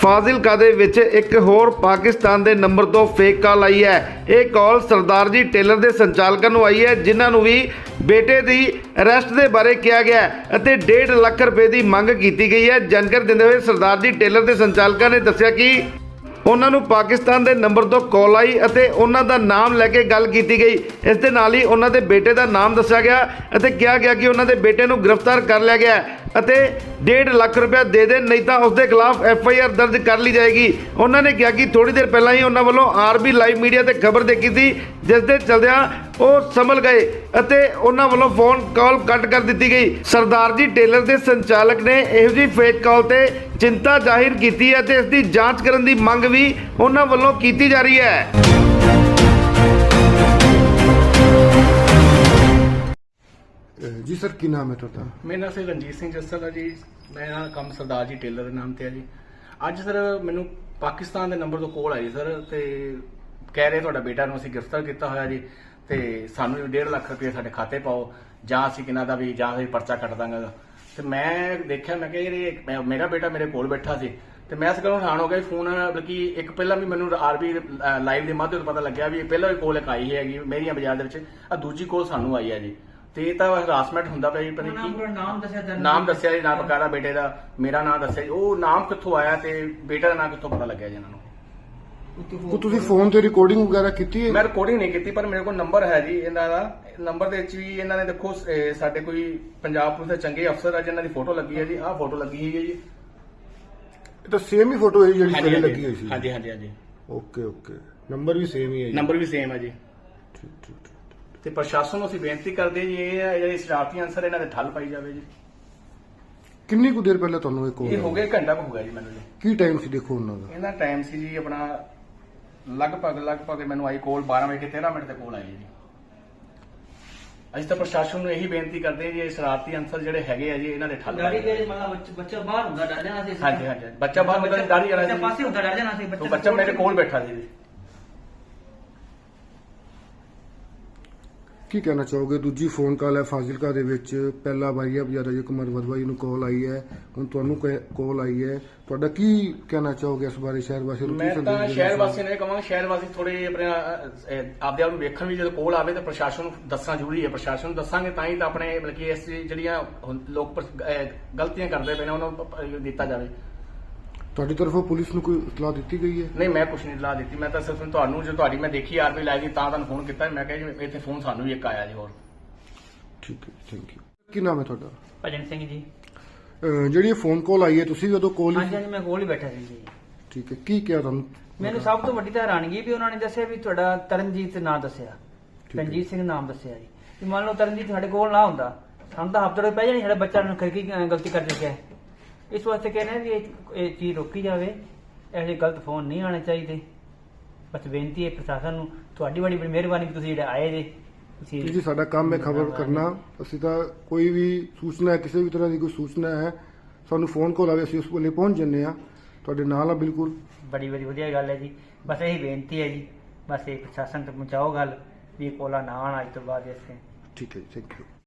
ਫਾਜ਼ਿਲਕਾ ਦੇ ਵਿੱਚ ਇੱਕ ਹੋਰ ਪਾਕਿਸਤਾਨ ਦੇ ਨੰਬਰ ਤੋਂ ਫੇਕ ਕਾਲ ਆਈ ਹੈ। ਇਹ ਕਾਲ ਸਰਦਾਰ ਜੀ ਟੇਲਰ ਦੇ ਸੰਚਾਲਕਾਂ ਨੂੰ ਆਈ ਹੈ, ਜਿਨ੍ਹਾਂ ਨੂੰ ਵੀ ਬੇਟੇ ਦੀ ਅਰੈਸਟ ਦੇ ਬਾਰੇ ਕਿਹਾ ਗਿਆ ਹੈ ਅਤੇ 1.5 ਲੱਖ ਰੁਪਏ ਦੀ ਮੰਗ ਕੀਤੀ ਗਈ ਹੈ। ਜਾਣਕਾਰੀ ਦਿੰਦੇ ਹੋਏ ਸਰਦਾਰ ਜੀ ਟੇਲਰ ਦੇ ਸੰਚਾਲਕਾਂ ਨੇ ਦੱਸਿਆ ਕਿ ਉਹਨਾਂ ਨੂੰ ਪਾਕਿਸਤਾਨ ਦੇ ਨੰਬਰ ਤੋਂ ਕਾਲ ਆਈ ਅਤੇ ਉਹਨਾਂ ਦਾ ਨਾਮ ਲੈ ਕੇ ਗੱਲ ਕੀਤੀ ਗਈ। ਇਸ ਦੇ ਨਾਲ ਹੀ ਉਹਨਾਂ ਦੇ ਬੇਟੇ ਦਾ ਨਾਮ ਦੱਸਿਆ ਗਿਆ ਅਤੇ ਕਿਹਾ ਗਿਆ ਕਿ ਉਹਨਾਂ ਦੇ ਬੇਟੇ ਨੂੰ ਗ੍ਰਿਫਤਾਰ ਕਰ ਲਿਆ ਗਿਆ ਅਤੇ 1.5 ਲੱਖ ਰੁਪਏ ਦੇ ਦੇਣ, ਨਹੀਂ ਤਾਂ ਉਸ ਦੇ ਖਿਲਾਫ FIR ਦਰਜ ਕਰ ਲਈ ਜਾਏਗੀ। ਉਹਨਾਂ ਨੇ ਕਿਹਾ ਕਿ ਥੋੜੀ ਦੇਰ ਪਹਿਲਾਂ ਹੀ ਉਹਨਾਂ ਵੱਲੋਂ RB ਲਾਈਵ ਮੀਡੀਆ ਤੇ ਖਬਰ ਦੇਖੀ ਸੀ, ਜਿਸ ਦੇ ਚਲਦਿਆਂ ਉਹ ਸੰਭਲ ਗਏ ਅਤੇ ਉਹਨਾਂ ਵੱਲੋਂ ਫੋਨ ਕਾਲ ਕੱਟ ਕਰ ਦਿੱਤੀ ਗਈ। ਸਰਦਾਰ ਜੀ ਟੇਲਰ ਦੇ ਸੰਚਾਲਕ ਨੇ ਇਹੋ ਜਿਹੀ ਫੇਕ ਕਾਲ ਤੇ ਚਿੰਤਾ ਜ਼ਾਹਿਰ ਕੀਤੀ ਹੈ ਤੇ ਇਸ ਦੀ ਜਾਂਚ ਕਰਨ ਦੀ ਮੰਗ ਵੀ ਉਹਨਾਂ ਵੱਲੋਂ ਕੀਤੀ ਜਾ ਰਹੀ ਹੈ। जी सर, की नाम है ਤੁਹਾਡਾ? ਮੇਰਾ ਨਾਮ ਸਰ ਰਣਜੀਤ ਸਿੰਘ ਜੱਸਲ ਹੈ ਜੀ। ਮੇਰਾ ਕੰਮ ਸਰਦਾਰ ਜੀ ਟੇਲਰ ਦੇ ਨਾਮ ਤੇ ਹੈ ਜੀ। ਅੱਜ ਸਰ ਮੈਨੂੰ ਪਾਕਿਸਤਾਨ ਦੇ ਨੰਬਰ ਤੋਂ ਕਾਲ ਆਈ ਸਰ, ਤੇ ਕਹਿ ਰਹੇ ਤੁਹਾਡਾ ਬੇਟਾ ਨੂੰ ਅਸੀਂ ਗ੍ਰਿਫਤਾਰ ਕੀਤਾ ਹੋਇਆ ਜੀ, ਤੇ ਸਾਨੂੰ 1.5 ਲੱਖ ਰੁਪਏ ਸਾਡੇ ਖਾਤੇ ਪਾਓ, ਜਾਂ ਅਸੀਂ ਕਿਨਾਂ ਦਾ ਵੀ ਜਾਂ ਅਸੀਂ ਪਰਚਾ ਕੱਟ ਦਾਂਗਾ। ਤੇ ਮੈਂ ਦੇਖਿਆ, ਮੈਂ ਕਿਹਾ ਯਾਰ ਮੇਰਾ ਬੇਟਾ ਮੇਰੇ ਕੋਲ ਬੈਠਾ ਸੀ, ਤੇ ਮੈਂ ਇਸ ਗੱਲੋਂ ਹੈਰਾਨ ਹੋ ਗਿਆ। ਫੋਨ ਬਲਕਿ ਇੱਕ ਪਹਿਲਾਂ ਵੀ ਮੈਨੂੰ RB ਲਾਈਵ ਦੇ ਮਾਧਿਅਮ ਤੋਂ ਪਤਾ ਲੱਗਿਆ ਵੀ ਪਹਿਲਾਂ ਵੀ ਕੋਲ ਇੱਕ ਆਈ ਹੈਗੀ ਮੇਰੀਆਂ ਬਾਜ਼ਾਰ ਦੇ ਵਿੱਚ, ਆ ਦੂਜੀ ਕੋਲ ਸਾਨੂੰ ਆਈ ਹੈ ਜੀ। ਤੇ ਇਹ ਤਾਂ ਹਰਾਸਮੈਂਟ ਹੁੰਦਾ ਪਿਆ ਜੀ। ਪਤਾ ਕੀ ਨਾਮ ਦੱਸਿਆ ਜੀ, ਨਾਮ ਬਕਾਇਦਾ ਬੇਟੇ ਦਾ, ਮੇਰਾ ਨਾਮ ਦੱਸਿਆ ਜੀ। ਉਹ ਨਾਮ ਕਿੱਥੋਂ ਆਇਆ ਤੇ ਬੇਟੇ ਦਾ ਨਾਮ ਕਿੱਥੋਂ ਪਤਾ ਲੱਗਿਆ ਜੀ ਇਹਨਾਂ ਨੂੰ? ਤੁਸੀਂ ਫੋਨ ਤੇ ਰਿਕਾਰਡਿੰਗ ਵਗੈਰਾ ਕੀਤੀ ਹੈ? ਮੈਂ ਰਿਕਾਰਡਿੰਗ ਨਹੀਂ ਕੀਤੀ, ਪਰ ਮੇਰੇ ਕੋਲ ਨੰਬਰ ਹੈ ਜੀ ਇਹਨਾਂ ਦਾ। ਨੰਬਰ ਦੇ ਵਿੱਚ ਵੀ ਇਹਨਾਂ ਨੇ ਦੇਖੋ ਸਾਡੇ ਕੋਈ ਪੰਜਾਬ ਪੁਲਿਸ ਦੇ ਚੰਗੇ ਅਫਸਰ ਆ ਜਿਨ੍ਹਾਂ ਦੀ ਫੋਟੋ ਲੱਗੀ ਹੈ ਜੀ। ਆਹ ਫੋਟੋ ਲੱਗੀ ਹੋਈ ਹੈ ਜੀ। ਇਹ ਤਾਂ ਸੇਮ ਹੀ ਫੋਟੋ ਹੈ ਜਿਹੜੀ ਪਹਿਲੇ ਲੱਗੀ ਹੋਈ ਸੀ? ਹਾਂਜੀ ਹਾਂਜੀ ਹਾਂਜੀ। ਓਕੇ, ਨੰਬਰ ਵੀ ਸੇਮ ਹੀ ਹੈ ਜੀ? ਨੰਬਰ ਵੀ ਸੇਮ ਹੈ ਜੀ। ਠੀਕ। ਤੇ ਪ੍ਰਸ਼ਾਸਨ ਨੂੰ ਅਸੀਂ ਬੇਨਤੀ ਕਰਦੇ ਜੀ, ਇਹ ਜਿਹੜੇ ਸ਼ਰਾਰਤੀ ਅਨਸਰ ਇਹਨਾਂ ਦੇ ਠੱਲ ਪਾਈ ਜਾਵੇ ਜੀ। ਕਿੰਨੀ ਕੁ ਦੇਰ ਪਹਿਲਾਂ ਤੁਹਾਨੂੰ ਇਹ ਕਾਲ? ਇਹ ਹੋ ਗਿਆ ਘੰਟਾ ਹੋ ਗਿਆ ਜੀ ਮੈਨੂੰ ਜੀ। ਕੀ ਟਾਈਮ ਸੀ ਦੇਖੋ ਉਹਨਾਂ ਦਾ? ਇਹਨਾਂ ਟਾਈਮ ਸੀ ਜੀ ਆਪਣਾ ਲਗਭਗ ਮੈਨੂੰ ਆਈ ਕੋਲ 12:13 ਤੇ ਕੋਲ ਆਈ ਜੀ। ਅਸੀਂ ਤਾਂ ਪ੍ਰਸ਼ਾਸਨ ਨੂੰ ਇਹੀ ਬੇਨਤੀ ਕਰਦੇ ਹਾਂ ਜੀ, ਇਹ ਸ਼ਰਾਰਤੀ ਅਨਸਰ ਜਿਹੜੇ ਹੈਗੇ ਆ ਜੀ, ਇਹਨਾਂ ਦੇ ਠੱਲ ਦਾੜੀ ਦੇ ਮਤਲਬ ਬੱਚਾ ਬਾਹਰ ਹੁੰਦਾ, ਡਰ ਜਾਣਾ ਸੀ। ਹਾਂਜੀ ਬੱਚਾ ਬਾਹਰ ਹੁੰਦਾ, ਦਾੜੀ ਵਾਲਾ ਸੀ, ਪਾਸੇ ਹੁੰਦਾ, ਡਰ ਜਾਣਾ ਸੀ ਬੱਚਾ ਮੇਰੇ ਕੋਲ ਬੈਠਾ ਸੀ ਜੀ। ਕੀ ਕਹਿਣਾ ਚਾਹੋਗੇ? ਦੂਜੀ ਫੋਨ ਕਾਲ ਹੈ ਫਾਜ਼ਿਲਕਾ ਦੇ ਵਿੱਚ, ਪਹਿਲਾ ਵਾਰੀ ਬਜਾਰਾ ਜੀ ਕੁਮਾਰ ਵਦਵਾਈ ਨੂੰ ਕਾਲ ਆਈ ਹੈ, ਹੁਣ ਤੁਹਾਨੂੰ ਕਾਲ ਆਈ ਹੈ। ਤੁਹਾਡਾ ਕੀ ਕਹਿਣਾ ਚਾਹੋਗੇ ਇਸ ਬਾਰੇ? ਸ਼ਹਿਰ ਵਾਸੀਆਂ ਨੂੰ ਮੈਂ ਤਾਂ ਸ਼ਹਿਰ ਵਾਸੀਆਂ ਨੂੰ ਇਹ ਕਹਾਂਗਾ, ਸ਼ਹਿਰ ਵਾਸੀ ਥੋੜੇ ਆਪਣੇ ਆਪਦੇ ਆਪ ਨੂੰ ਵੇਖਣ ਵੀ, ਜਦੋਂ ਕੋਲ ਆਵੇ ਤਾਂ ਪ੍ਰਸ਼ਾਸਨ ਨੂੰ ਦੱਸਣਾ ਜ਼ਰੂਰੀ ਹੈ। ਪ੍ਰਸ਼ਾਸਨ ਨੂੰ ਦੱਸਾਂਗੇ ਤਾਂ ਹੀ ਤਾਂ ਆਪਣੇ ਬਲਕਿ ਇਸ ਜਿਹੜੀਆਂ ਲੋਕ ਗਲਤੀਆਂ ਕਰਦੇ ਪਏ ਨੇ ਉਹਨਾਂ ਨੂੰ ਦਿੱਤਾ ਜਾਵੇ। ਤੁਹਾਡੀ ਤਰਫੋਂ ਪੁਲਿਸ ਨੂੰ ਕੋਈ ਇਤਲਾਹ ਦਿੱਤੀ ਗਈ ਹੈ? ਨਹੀਂ, ਮੈਂ ਕੁਛ ਨਹੀਂ ਇਤਲਾਹ ਦਿੱਤੀ। ਮੈਂ ਤਾਂ ਸਿਰਫ ਤੁਹਾਨੂੰ, ਜੋ ਤੁਹਾਡੀ ਮੈਂ ਦੇਖੀ RB ਲਾਈਵ ਦੀ, ਤਾਂ ਤੁਹਾਨੂੰ ਫੋਨ ਕੀਤਾ। ਮੈਂ ਕਿਹਾ ਜੀ ਇੱਥੇ ਫੋਨ ਸਾਨੂੰ ਵੀ ਇੱਕ ਆਇਆ ਜੀ ਹੋਰ। ਠੀਕ ਹੈ, ਥੈਂਕ ਯੂ। ਕੀ ਨਾਮ ਹੈ ਤੁਹਾਡਾ? ਭਜਨ ਸਿੰਘ ਜੀ। ਜਿਹੜੀ ਇਹ ਫੋਨ ਕਾਲ ਆਈ ਹੈ, ਤੁਸੀਂ ਉਦੋਂ ਕੋਲ ਹਾਂਜੀ ਮੈਂ ਕੋਲ ਹੀ ਬੈਠਾ ਸੀ ਜੀ। ਠੀਕ ਹੈ, ਕੀ ਕਿਹਾ ਤੁਹਾਨੂੰ? ਮੈਨੂੰ ਸਭ ਤੋਂ ਵੱਡੀ ਤਾਂ ਹੈਰਾਨਗੀ ਵੀ ਉਹਨਾਂ ਨੇ ਦੱਸਿਆ ਵੀ ਤੁਹਾਡਾ ਤਰਨਜੀਤ ਨਾਮ ਦੱਸਿਆ, ਰਣਜੀਤ ਸਿੰਘ ਨਾਮ ਦੱਸਿਆ ਜੀ। ਵੀ ਮੰਨ ਲਓ ਤਰਨਜੀਤ ਸਾਡੇ ਕੋਲ ਨਾ ਹੁੰਦਾ, ਸਾਨੂੰ ਤਾਂ ਹਫ਼ਤੇ ਪੈ ਜਾਣੀ, ਸਾਡਾ ਬੱਚਾ ਨੂੰ ਕੀ ਗਲਤੀ ਕਰ ਚੁੱਕਿਆ। ਇਸ ਵਾਸਤੇ ਕਹਿ ਰਹੇ ਵੀ ਇਹ ਚੀਜ਼ ਰੋਕੀ ਜਾਵੇ, ਇਹੋ ਜਿਹੇ ਗਲਤ ਫੋਨ ਨਹੀਂ ਆਉਣੇ ਚਾਹੀਦੇ। ਬਸ ਬੇਨਤੀ ਹੈ ਪ੍ਰਸ਼ਾਸਨ ਨੂੰ, ਤੁਹਾਡੀ ਬੜੀ ਮਿਹਰਬਾਨੀ ਵੀ ਤੁਸੀਂ ਜਿਹੜੇ ਆਏ ਜੇ। ਜੀ ਸਾਡਾ ਕੰਮ ਹੈ ਖਬਰ ਕਰਨਾ। ਅਸੀਂ ਤਾਂ ਕੋਈ ਵੀ ਸੂਚਨਾ ਹੈ, ਕਿਸੇ ਵੀ ਤਰ੍ਹਾਂ ਦੀ ਕੋਈ ਸੂਚਨਾ ਹੈ, ਸਾਨੂੰ ਫੋਨ ਕਾਲ ਆਵੇ, ਅਸੀਂ ਉਸ ਵੇਲੇ ਪਹੁੰਚ ਜੰਨੇ ਆ, ਤੁਹਾਡੇ ਨਾਲ ਆ ਬਿਲਕੁਲ। ਬੜੀ ਵਧੀਆ ਗੱਲ ਹੈ ਜੀ। ਬਸ ਇਹੀ ਬੇਨਤੀ ਹੈ ਜੀ, ਬਸ ਇਹ ਪ੍ਰਸ਼ਾਸਨ ਤੱਕ ਪਹੁੰਚਾਓ ਗੱਲ ਵੀ ਇਹ ਕੋਲਾ ਨਾ ਆਉਣ ਅੱਜ ਤੋਂ ਬਾਅਦ। ਇਸੇ ਠੀਕ ਹੈ ਜੀ, ਥੈਂਕ ਯੂ।